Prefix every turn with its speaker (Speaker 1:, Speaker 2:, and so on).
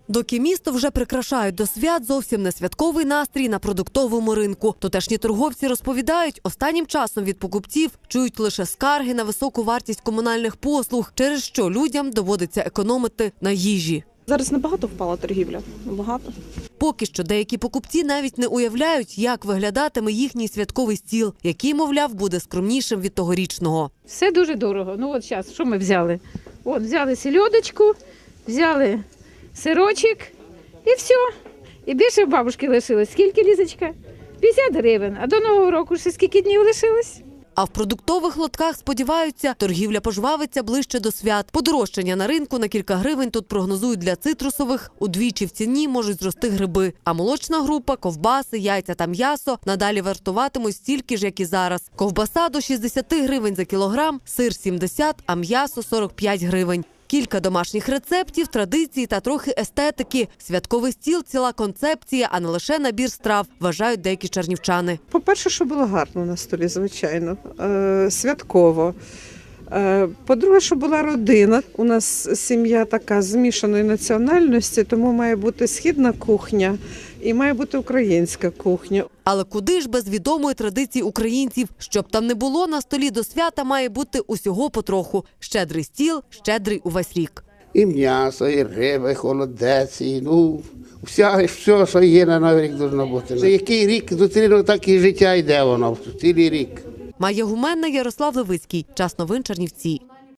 Speaker 1: Доки місто вже прикрашають до свят, зовсім не святковий настрій на продуктовому ринку. Тутешні торговці розповідають, останнім часом від покупців чують лише скарги на високу вартість комунальних послуг, через що людям доводиться економити на їжі.
Speaker 2: Зараз набагато впала торгівля, набагато.
Speaker 1: Поки що деякі покупці навіть не уявляють, як виглядатиме їхній святковий стіл, який, мовляв, буде скромнішим від тогорічного.
Speaker 3: Все дуже дорого. Ну от зараз, що ми взяли? От, взяли сельодочку, взяли сирочок і все. І більше в бабушки лишилось. Скільки, Лізочка? 50 гривень. А до Нового року ще скільки днів лишилось?
Speaker 1: А в продуктових лотках сподіваються, торгівля пожвавиться ближче до свят. Подорожчання на ринку на кілька гривень тут прогнозують для цитрусових. Удвічі в ціні можуть зрости гриби. А молочна група, ковбаси, яйця та м'ясо надалі вартуватимуть стільки ж, як і зараз. Ковбаса до 60 гривень за кілограм, сир – 70, а м'ясо – 45 гривень. Кілька домашніх рецептів, традицій та трохи естетики. Святковий стіл – ціла концепція, а не лише набір страв, вважають деякі чернівчани.
Speaker 4: По-перше, що було гарно на столі, звичайно, святково. По-друге, що була родина. У нас сім'я така змішаної національності, тому має бути східна кухня і має бути українська кухня.
Speaker 1: Але куди ж без відомої традиції українців? Щоб там не було, на столі до свята має бути усього потроху. Щедрий стіл, щедрий увесь рік.
Speaker 5: І м'ясо, і риба, і холодець, і все, що є на Новий рік, повинно бути. За який рік зустрінув, так і життя йде воно, цілий рік.
Speaker 1: Майя Гуменна, Ярослав Левицький. Час новин Чернівці.